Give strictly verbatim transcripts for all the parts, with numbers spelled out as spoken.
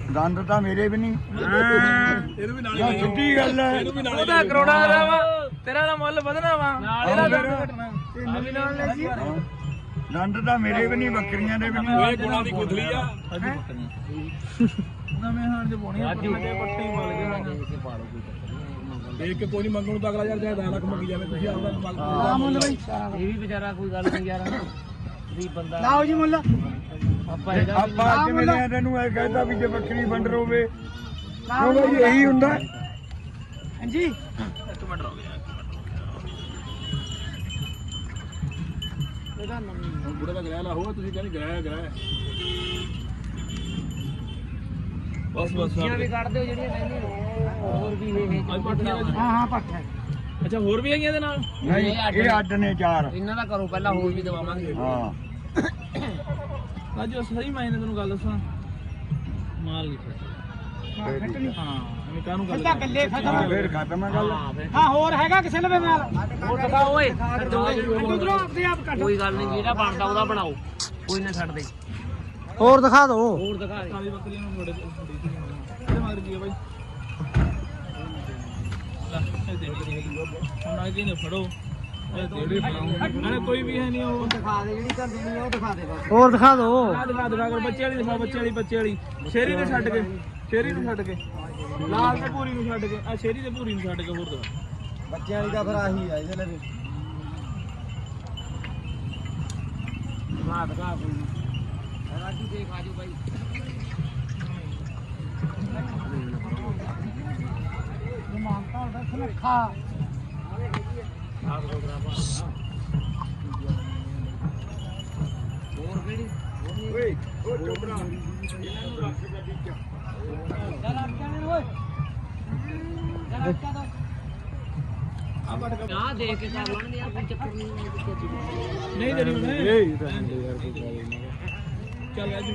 ਦੰਦ ਤਾਂ ਮੇਰੇ ਵੀ ਨਹੀਂ ਇਹਨੂੰ ਵੀ ਨਾਲ ਸਿੱਧੀ ਗੱਲ ਹੈ ਉਹਦਾ ਕਰੋੜਾ ਦਾ ਵਾ ਤੇਰਾ ਦਾ ਮੁੱਲ ਵਧਣਾ ਵਾ ਇਹਦਾ ਦੰਦ ਘਟਣਾ ਤੈਨੂੰ ਵੀ ਨਾਲ ਲੈ ਜੀ ਦੰਦ ਤਾਂ ਮੇਰੇ ਵੀ ਨਹੀਂ ਬੱਕਰੀਆਂ ਦੇ ਵੀ ਨਹੀਂ ਓਏ ਗੁਣਾ ਦੀ ਗੁੱਥਲੀ ਆ ਨਵੇਂ ਹਾਣ ਚ ਪਾਉਣੀ ਅੱਜ ਪੱਟੀ ਮਲ ਗਏ ਦੇਖ ਕੇ ਕੋਈ ਨਹੀਂ ਮੰਗਣ ਨੂੰ ਤਾਂ ਅਗਲਾ ਯਾਰ ਚਾਹੇ ਦਸ ਲੱਖ ਮੰਗੀ ਜਾਵੇ ਤੁਸੀਂ ਆਪਦਾ ਮੰਗ ਆ ਮੁੱਲ ਬਈ ਇਹ ਵੀ ਵਿਚਾਰਾ ਕੋਈ ਗੱਲ ਨਹੀਂ ਯਾਰ ਵੀ ਬੰਦਾ ਲਾਓ ਜੀ ਮੁੱਲ ਆਪਾਂ ਇਹਦਾ ਆਪਾਂ ਅੱਜ ਮਿਲਿਆ ਤੈਨੂੰ ਇਹ ਕਹਿੰਦਾ ਵੀ ਜੇ ਬੱਕਰੀ ਵੰਡਰ ਹੋਵੇ ਉਹ ਬਈ ਇਹੀ ਹੁੰਦਾ ਹਾਂਜੀ ਇੱਕ ਮਿੰਟ ਰੁਕ ਜਾ ਇਹਦਾ ਨਵੀਂ ਹੁਣ ਬੁੜੇ ਦਾ ਗਰਾਇਆ ਲਾ ਹੋਵੇ ਤੁਸੀਂ ਕਹਿੰਦੇ ਗਰਾਇਆ ਗਰਾਇਆ ਬਸ ਬਸ ਬੱਕਰੀਆਂ ਵੀ ਕੱਢ ਦਿਓ ਜਿਹੜੀਆਂ ਕਹਿੰਦੇ ਹੋਰ ਵੀ ਇਹ ਅੱਜ ਪਾਠੀਆਂ ਹਾਂ ਹਾਂ ਪੱਠ ਹੈ ਅੱਛਾ ਹੋਰ ਵੀ ਹੈਗੀਆਂ ਇਹਦੇ ਨਾਲ ਨਹੀਂ ਇਹ ਅੱਡ ਨੇ ਚਾਰ ਇਹਨਾਂ ਦਾ ਕਰੋ ਪਹਿਲਾਂ ਹੋਰ ਵੀ ਦਵਾਵਾਂਗੇ ਹਾਂ ਅੱਜ ਸਹੀ ਮਾਇਨੇ ਤੈਨੂੰ ਗੱਲ ਦੱਸਾਂ ਮਾਲ ਨਹੀਂ ਖੱਟਣੀ ਹਾਂ ਮੈਂ ਕਾਹਨੂੰ ਗੱਲ ਕੱਲਾ ਗੱਲੇ ਖਤਮ ਫੇਰ ਖਤਮ ਹੈ ਗੱਲ ਹਾਂ ਹੋਰ ਹੈਗਾ ਕਿਸੇ ਲਵੇ ਨਾਲ ਹੋਰ ਦਿਖਾ ਓਏ ਉਧਰੋਂ ਆਪਦੇ ਆਪ ਕੱਢ ਕੋਈ ਗੱਲ ਨਹੀਂ ਜਿਹੜਾ ਬਣਦਾ ਉਹਦਾ ਬਣਾਓ ਕੋਈ ਨਾ ਛੱਡ ਦੇ ਹੋਰ ਦਿਖਾ ਦੋ ਹੋਰ ਦਿਖਾ ਦੇ ਕਾਲੀ ਬੱਕਰੀਆਂ ਨੂੰ ਥੋੜੇ ਇਹਦੇ ਮਗਰ ਕੀ ਹੈ ਬਾਈ ਇਹ ਦੇਖ ਹੁਣ ਆ ਕੇ ਨੇ ਫੜੋ ਇਹ ਦੇੜੇ ਫੜਾਉਂਗੇ ਨਾਲੇ ਕੋਈ ਵੀ ਹੈ ਨਹੀਂ ਉਹ ਦਿਖਾ ਦੇ ਜਿਹੜੀ ਕਰ ਦੇਣੀ ਉਹ ਦਿਖਾ ਦੇ ਬਸ ਹੋਰ ਦਿਖਾ ਦੋ ਆ ਦਿਖਾ ਦਿਖਾ ਕਰ ਬੱਚੇ ਵਾਲੀ ਦਿਖਾ ਬੱਚੇ ਵਾਲੀ ਬੱਚੇ ਵਾਲੀ ਸ਼ੇਰੀ ਨੂੰ ਛੱਡ ਕੇ ਸ਼ੇਰੀ ਨੂੰ ਛੱਡ ਕੇ ਲਾਲ ਤੇ ਪੂਰੀ ਨੂੰ ਛੱਡ ਕੇ ਆ ਸ਼ੇਰੀ ਤੇ ਪੂਰੀ ਨੂੰ ਛੱਡ ਕੇ ਹੋਰ ਦਿਖਾ ਬੱਚਿਆਂ ਵਾਲੀ ਦਾ ਫਿਰ ਆਹੀ ਆ ਇਹਦੇ ਲਵੇ ਦਿਖਾ ਦਿਖਾ ਕੋਈ ਰਾਜੂ ਦੇਖ ਆਜੋ ਬਾਈ ਮਾਨਤਾ ਉਹਦਾ ਸੁਨੱਖਾ ਹੋਰ ਕਿਹੜੀ ਓਏ ਉਹ ਚੋਬੜਾ ਚੱਲ ਆ ਜਾਣੇ ਓਏ ਚੱਲ ਆ ਜਾ ਆ ਦੇਖ ਕੇ ਕਰ ਲਾਂਗੇ ਯਾਰ ਕੋਈ ਚੱਕਰ ਨਹੀਂ ਨਹੀਂ ਦੇਣੀ ਉਹਨੇ ਇਹ ਤਾਂ ਹੁੰਦੇ ਯਾਰ ਕੋਈ ਗੱਲ ਨਹੀਂ ਚੱਲ ਰਾਜੂ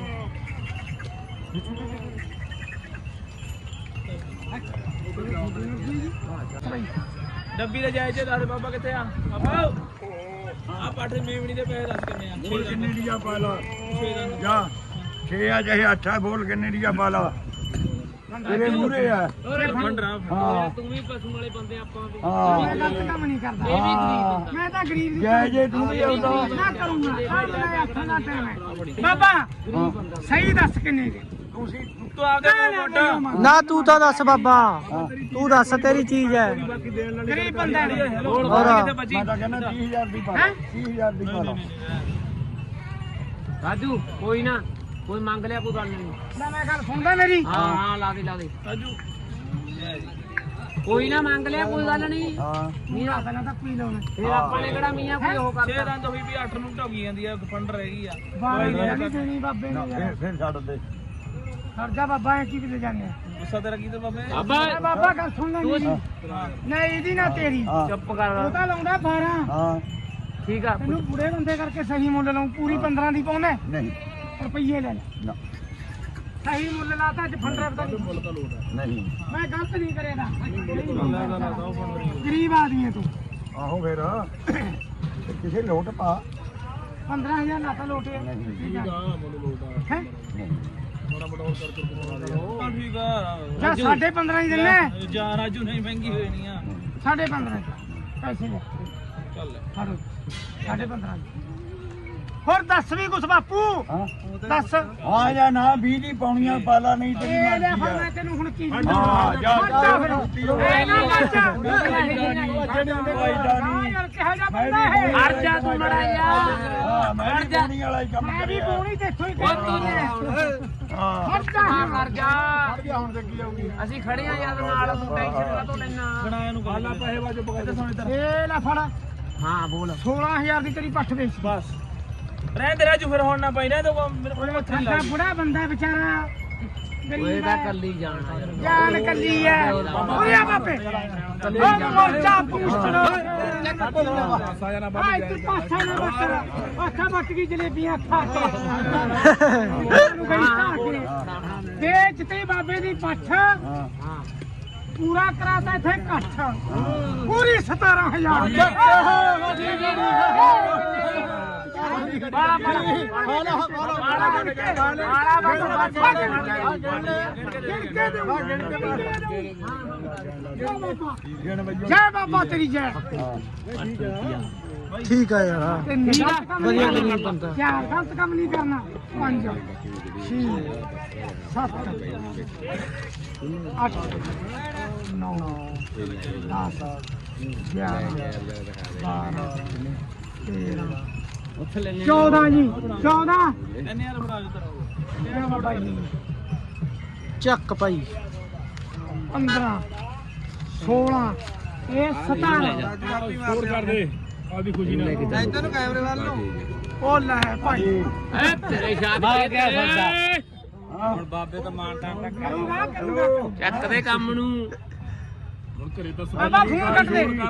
ਡੱਬੀ ਦੇ ਜਾਇਜ਼ ਦੱਸ ਬਾਬਾ ਕਿੱਥੇ ਆ ਬਾਬਾ ਆ ਪਾਠੇ ਮੇਵਣੀ ਦੇ ਪੈਸੇ ਦੱਸ ਕਿੰਨੇ ਆ ਬੋਲ ਕਿੰਨੇ ਦੀਆਂ ਪਾ ਲਾ ਛੇ ਦਾ ਜਾ ਛੇ ਆ ਚਾਹੇ ਅੱਠਾ ਬੋਲ ਕਿੰਨੇ ਦੀਆਂ ਪਾ ਲਾ ਤੇਰੇ ਮੂਰੇ ਆ ਫੰਡਰਾ ਹਾਂ ਤੂੰ ਵੀ ਪਸ਼ੂ ਵਾਲੇ ਬੰਦੇ ਆਪਾਂ ਵੀ ਹਾਂ ਮੈਂ ਗਲਤ ਕੰਮ ਨਹੀਂ ਕਰਦਾ ਇਹ ਵੀ ਗਰੀਬ ਬੰਦਾ ਮੈਂ ਤਾਂ ਗਰੀਬ ਦੀ ਜੈ ਜੇ ਤੂੰ ਵੀ ਆਉਂਦਾ ਨਾ ਕਰੂੰਗਾ ਆ ਮੇਰਾ ਹੱਥਾਂ ਦਾ ਟਾਈਮ ਹੈ ਬਾਬਾ ਸਹੀ ਦੱਸ ਕਿੰਨੇ ਦੇ ਤੁਸੀਂ ਤੂੰ ਆਪਦੇ ਮੋਟਾ ਨਾ ਤੂੰ ਤਾਂ ਦੱਸ ਬਾਬਾ ਤੂੰ ਦੱਸ ਤੇਰੀ ਚੀਜ਼ ਹੈ ਬਾਕੀ ਦੇਣ ਵਾਲੀ ਗਰੀਬ ਬੰਦਾ ਨੇ ਹੋਰ ਹੋਰ। ਕਿਤੇ ਬਚੀ ਮੈਂ ਤਾਂ ਕਹਿੰਦਾ ਤੀਹ ਹਜ਼ਾਰ ਦੀ ਪਾ ਲਾ ਤੀਹ ਹਜ਼ਾਰ ਦੀ ਪਾ ਲਾ ਰਾਜੂ ਕੋਈ ਨਾ ਕੋਈ ਮੰਗ ਲਿਆ ਕੋਈ ਗੱਲ ਨਹੀਂ ਨਾ ਮੈਂ ਗੱਲ ਸੁਣਦਾ ਮੇਰੀ ਹਾਂ ਹਾਂ ਲਾ ਦੇ ਲਾ ਦੇ ਰਾਜੂ ਕੋਈ ਨਾ ਮੰਗ ਲਿਆ ਕੋਈ ਗੱਲ ਨਹੀਂ ਹਾਂ ਮੀਆਂ ਪਹਿਲਾਂ ਤਾਂ ਪੀ ਲਾਉਣਾ ਫਿਰ ਆਪਾਂ ਨੇ ਕਿਹੜਾ ਮੀਆਂ ਕੋਈ ਉਹ ਛੇ ਕਰਦਾ ਦੰਦ ਹੋਈ ਵੀ ਅੱਠ ਨੂੰ ਢੋਗੀ ਜਾਂਦੀ ਆ ਫੰਡ ਰਹਿ ਗਈ ਆ ਬਾਈ ਨਹੀਂ ਦੇਣੀ ਬਾਬੇ ਨਾ, ਨੇ ਫਿਰ ਯਾਰ ਫਿਰ ਛੱਡ ਦੇ ਖਰਜਾ ਬਾਬਾ ਐ ਕੀ ਕਿਤੇ ਜਾਂਦੇ ਆ ਗੁੱਸਾ ਤੇਰਾ ਕੀ ਤੇ ਬਾਬੇ ਮੈਂ ਬਾਬਾ ਗੱਲ ਸੁਣ ਲੈ ਮੇਰੀ ਨਹੀਂ ਇਹਦੀ ਨਾ ਤੇਰੀ ਹਾਂ ਚੁੱਪ ਉਹ ਕਰ ਤਾਂ ਲਾਉਂਦਾ ਬਾਰਾਂ ਹਾਂ ਠੀਕ ਆ ਤੈਨੂੰ ਬੁੜੇ ਬੰਦੇ ਕਰਕੇ ਸਹੀ ਮੁੱਲ ਲਾਉਂ ਪੂਰੀ ਪੰਦਰਾਂ ਦੀ ਪਾਉਂਦਾ ਨਹੀਂ ਰੁਪਈਏ ਲੈ ਲੈ ਨਾ ਸਹੀ ਮੁੱਲ ਲਾਤਾ ਅੱਜ ਫੰਡਰਾ ਪਤਾ ਨਹੀਂ ਨਹੀਂ ਮੈਂ ਗਲਤ ਨਹੀਂ ਕਰੇਗਾ ਗਰੀਬ ਆਦਮੀ ਹੈ ਤੂੰ ਆਹੋ ਫਿਰ ਤੇ ਕਿਸੇ ਲੋਟ ਪਾ ਪੰਦਰਾਂ ਹਜ਼ਾਰ ਲਾਤਾ ਲੋਟੇ ਨਹੀਂ ਠੀਕ ਆ ਮੈਨੂੰ ਲੋਟਾ ਹੈ ਨਹੀਂ ਬੜਾ ਬੜਾ ਹੋਰ ਕਰਕੇ ਬਣਾ ਲਿਆ ਹਾਂ ਠੀਕ ਆ ਜਾਂ ਸਾਢੇ ਪੰਦਰਾਂ ਹੀ ਦਿੰਨੇ ਜਾ ਰਾਜੂ ਨਹੀਂ ਮਹਿੰਗੀ ਹੋਈ ਨਹੀਂ ਆ ਸਾਢੇ ਪੰਦਰਾਂ ਪੈਸੇ ਲੈ ਚੱਲ ਫੜੋ ਸਾਢੇ ਪੰਦਰਾਂ ਹੋਰ ਦੱਸ ਵੀ ਕੁਛ ਬਾਪੂ ਹਾਂ ਦੱਸ ਹਾਂ ਜਾਂ ਨਾ ਵੀਹ ਦੀ ਪਾਉਣੀਆਂ ਪਾਲਾ ਨਹੀਂ ਤੇਰੀ ਇਹ ਲੈ ਮਰਜ਼ੀ ਫਿਰ ਆ ਮੈਂ ਤੈਨੂੰ ਹੁਣ ਕੀ ਹਾਂ ਜਾ ਮਰਜਾ ਫਿਰ ਇਹ ਨਾ ਮਰਜਾ ਨਹੀਂ ਯਾਰ ਕਿਹੋ ਜਿਹਾ ਬੰਦਾ ਹੈ ਹਟ ਜਾ ਤੂੰ ਮੜਾ ਯਾਰ ਹਾਂ ਮੈਂ ਵੀ ਪਾਉਣੀ ਵਾਲਾ ਹੀ ਕੰਮ ਮੈਂ ਵੀ ਕਰਿਆ ਪੂਣੀ ਦੇਖੋ ਹੀ ਉਹ ਤੂੰ ਨੇ ਹਾਂ ਮਰਜਾ ਹਾਂ ਮਰ ਜਾ ਗਿਆ ਹੁਣ ਤੇ ਕੀ ਆਉਗੀ ਅਸੀਂ ਖੜੇ ਆ ਯਾਰ ਨਾਲ ਤੂੰ ਟੈਨਸ਼ਨ ਕਾ ਤੋਂ ਲੈਣਾ ਗਣਾ ਨੂੰ ਗੱਲ ਪੈਸੇ ਵਾਜੋ ਪਕੜ ਸੋਨੇ ਤਰ ਇਹ ਲੈ ਫੜ ਹਾਂ ਬੋਲ ਸੋਲਾਂ ਹਜ਼ਾਰ ਦੀ ਤੇਰੀ ਪੱਠ ਵੇਚ ਬਸ ਰਹਿ ਤੇ ਰਾਜੂ ਫਿਰ ਹੁਣ ਨਾ ਪਈ ਰਹਿ ਤੇ ਮੇਰੇ ਕੋਲ ਮੱਥਾ ਖਾਂਦਾ ਬੁੜਾ ਬੰਦਾ ਵਿਚਾਰਾ ਓਏ ਗਰੀਬ ਤਾਂ ਹੈ ਕੱਲੀ ਜਾਣਾ ਯਾਰ ਜਾਨ ਕੱਲੀ ਹੈ ਓਏ ਆ ਬਾਪੇ ਉਹ ਮੋਰਚਾ ਪੁੱਛਣਾ ਸਾਇਆ ਨਾ ਆ ਇੱਥੇ ਪਾਸਾ ਨਾ ਬੱਟ ਅੱਖਾਂ ਬੱਟ ਗਈ ਜਲੇਬੀਆਂ ਖਾ ਕੇ ਉਹਨੂੰ ਗਈ ਖਾ ਕੇ ਵੇਚ ਤੇ ਬਾਬੇ ਦੀ ਪੱਠ ਹਾਂ ਹਾਂ ਪੂਰਾ ਕਰਾਤਾ ਇੱਥੇ ਇਕੱਠ ਪੂਰੀ ਸਤਾਰਾਂ ਹਜ਼ਾਰ ਬਾਲਾ ਬਾਲਾ ਬਾਲਾ ਜੈ ਬਾਬਾ ਤੇਰੀ ਜੈ ਠੀਕ ਆ ਯਾਰ ਵਧੀਆ ਵਧੀਆ ਬੰਦਾ ਚਾਰ ਗਲਤ ਕੰਮ ਨਹੀਂ ਕਰਨਾ ਪੰਜ ਛੇ ਸੱਤ ਅੱਠ ਨੌ ਦਸ ਗਿਆਰਾਂ ਬਾਰਾਂ ਤੇਰਾਂ ਚੌਦਾਂ ਜੀ ਚੌਦਾਂ ਇੰਨੇ ਯਾਰ ਫੜਾ ਦਿੱਤਾ ਬਾਬਾ ਜੀ ਚੱਕ ਭਾਈ ਪੰਦਰਾਂ ਸੋਲਾਂ ਇਹ ਸਤਾਰਾਂ ਹੋਰ ਕਰ ਦੇ ਆਪਦੀ ਖੁਸ਼ੀ ਨਾਲ ਇੱਧਰ ਨੂੰ ਕੈਮਰੇ ਵੱਲ ਨੂੰ ਉਹ ਲੈ ਭਾਈ ਐ ਤੇਰੇ ਸ਼ਾਦ ਹੁਣ ਬਾਬੇ ਤਾਂ ਮਾਰਦਾ ਕਰੂੰਗਾ ਕਰੂੰਗਾ ਚੱਕ ਦੇ ਕੰਮ ਨੂੰ ਹੁਣ ਘਰੇ ਤਾਂ ਬਾਬਾ ਫੋਨ ਕੱਟ ਦੇ